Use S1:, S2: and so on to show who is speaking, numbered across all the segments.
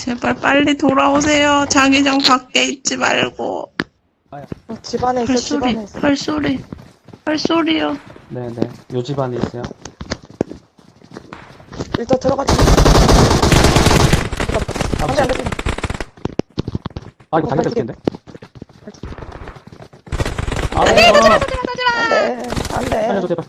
S1: 제발 빨리 돌아오세요. 자기장 밖에 있지 말고.
S2: 집 안에 있어, 집 안에 있어.
S1: 발소리요.
S3: 네네. 요 집 안에 있어요.
S2: 일단 들어가지. 안 돼, 안 돼.
S3: 아, 이거 당연히 됐겠는데? 아,
S2: 안 돼, 안 돼.
S3: 살려줘, 제발.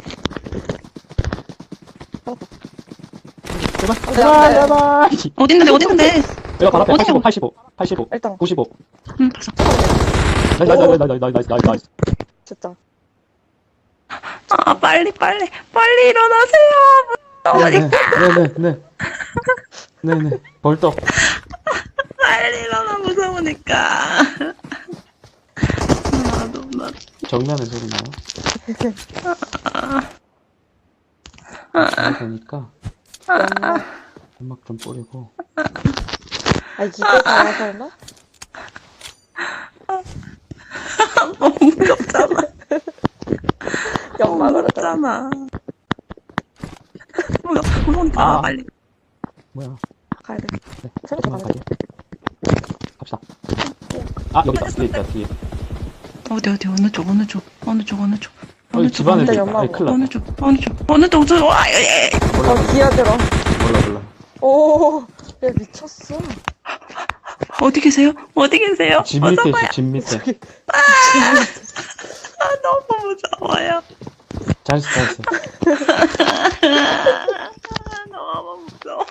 S3: 제발,
S2: 안 돼,
S3: 제발,
S2: 안 돼.
S3: 제발.
S1: 어딨는데?
S3: 내가 바로 앞에
S1: 어디요?
S3: 85.
S2: 일단.
S3: 95.
S1: 응, 봤어.
S3: 나이스.
S2: 진짜.
S1: 아, 빨리 일어나세요.
S3: 네네. 벌떡.
S1: 빨리 일어나, 무서우니까. 나
S3: 정면에 소리 나요. 잘 되니까 연막 좀 뿌리고.
S2: 아, 이게 다야, 설마?
S1: 너무 무섭잖아.
S2: 연막으로
S1: 무섭잖아. 무서우니까 나와, 빨리.
S3: 뭐야?
S2: 가야 돼.
S3: 네.
S2: 생각해 가야 돼.
S3: 갑시다. 아, 여기 있다. 뒤에 있다. 뒤에.
S1: 어디, 어느 쪽.
S3: 여기 집 안에
S2: 진짜
S3: 있다.
S2: 연막.
S3: 아니, 큰일
S1: 어느
S3: 났다.
S1: 쪽. 와, 예.
S2: 기어들어.
S3: 몰라.
S2: 오, 야, 미쳤어.
S1: 어디 계세요?
S3: 집
S1: 어서
S3: 밑에
S1: 봐요.
S3: 있어, 집 밑에.
S1: 아, 너무 무서워요.
S3: 잘했어.
S1: 너무 무서워.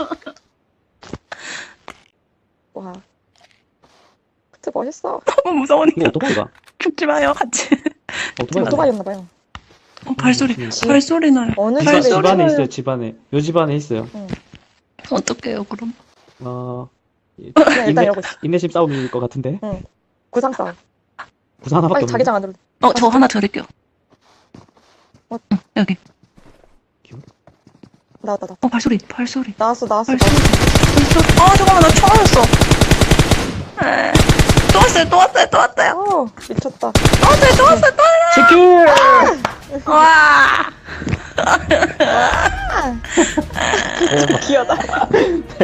S2: 와. 진짜 멋있어.
S1: 너무 무서우니까.
S3: 이거 오토바이가?
S1: 죽지 마요, 같이.
S3: 오토바이가?
S2: 오토바이였나봐요.
S1: 발소리 나요.
S2: 어느
S3: 집,
S2: 집에
S3: 집 안에
S2: 있어요?
S3: 있어요, 집 안에. 요 집 안에 있어요.
S1: 어떡해요, 그럼?
S2: 그냥 일단 이러고 있어.
S3: 인내심 싸움일 것 같은데?
S2: 구상 싸움.
S3: 부산 하나밖에
S2: 빨리
S3: 없는데?
S2: 자기장 안으로.
S1: 저 하나 드릴게요. 여기.
S2: 나왔다.
S1: 발소리.
S2: 나왔어.
S1: 잠깐만, 나 총 맞았어. 또 왔어요.
S2: 미쳤다.
S1: 또 왔어요.
S3: 치킨!
S1: 와.
S2: 귀여다.